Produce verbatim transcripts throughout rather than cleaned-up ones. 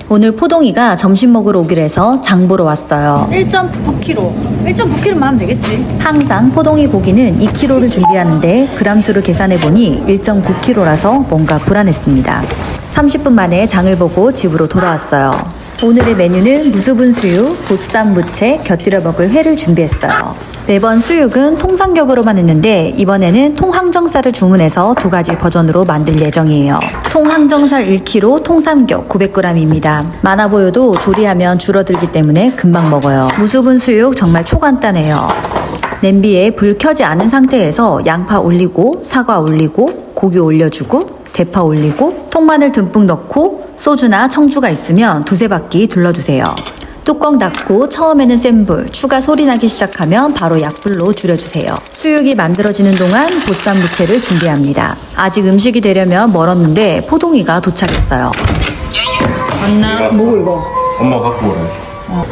오늘 포동이가 점심 먹으러 오기로 해서 장 보러 왔어요. 일 점 구 킬로그램. 일 점 구 킬로그램만 하면 되겠지. 항상 포동이 고기는 이 킬로그램를 준비하는데 그람수를 계산해보니 일 점 구 킬로그램라서 뭔가 불안했습니다. 삼십 분 만에 장을 보고 집으로 돌아왔어요. 오늘의 메뉴는 무수분 수육, 보쌈 무채, 곁들여 먹을 회를 준비했어요. 매번 수육은 통삼겹으로만 했는데 이번에는 통항정살을 주문해서 두 가지 버전으로 만들 예정이에요. 통항정살 일 킬로그램, 통삼겹 구백 그램입니다. 많아 보여도 조리하면 줄어들기 때문에 금방 먹어요. 무수분 수육 정말 초간단해요. 냄비에 불 켜지 않은 상태에서 양파 올리고 사과 올리고 고기 올려주고 대파 올리고 통마늘 듬뿍 넣고 소주나 청주가 있으면 두세 바퀴 둘러주세요. 뚜껑 닫고 처음에는 센 불, 추가 소리 나기 시작하면 바로 약불로 줄여주세요. 수육이 만들어지는 동안 보쌈 무채를 준비합니다. 아직 음식이 되려면 멀었는데 포동이가 도착했어요. 맞나? 뭐 이거? 엄마 갖고 오래. 어.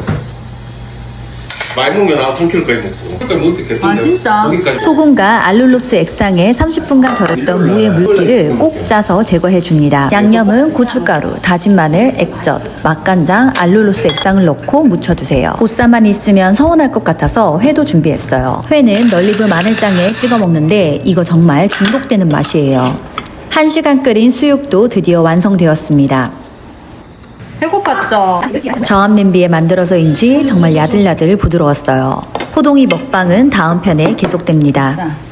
많이 먹으면 나 삼 킬로그램까지 먹고. 그러니까 먹을 때 괜찮은데. 아, 진짜? 거기까지. 소금과 알룰로스 액상에 삼십 분간 절였던 무의 물기를 꼭 짜서 제거해줍니다. 양념은 고춧가루, 다진 마늘, 액젓, 맛간장, 알룰로스 액상을 넣고 무쳐주세요. 보쌈만 있으면 서운할 것 같아서 회도 준비했어요. 회는 널리브 마늘장에 찍어 먹는데 이거 정말 중독되는 맛이에요. 한 시간 끓인 수육도 드디어 완성되었습니다. 배고팠죠? 저압 냄비에 만들어서인지 정말 야들야들 부드러웠어요. 포동이 먹방은 다음 편에 계속됩니다. 자.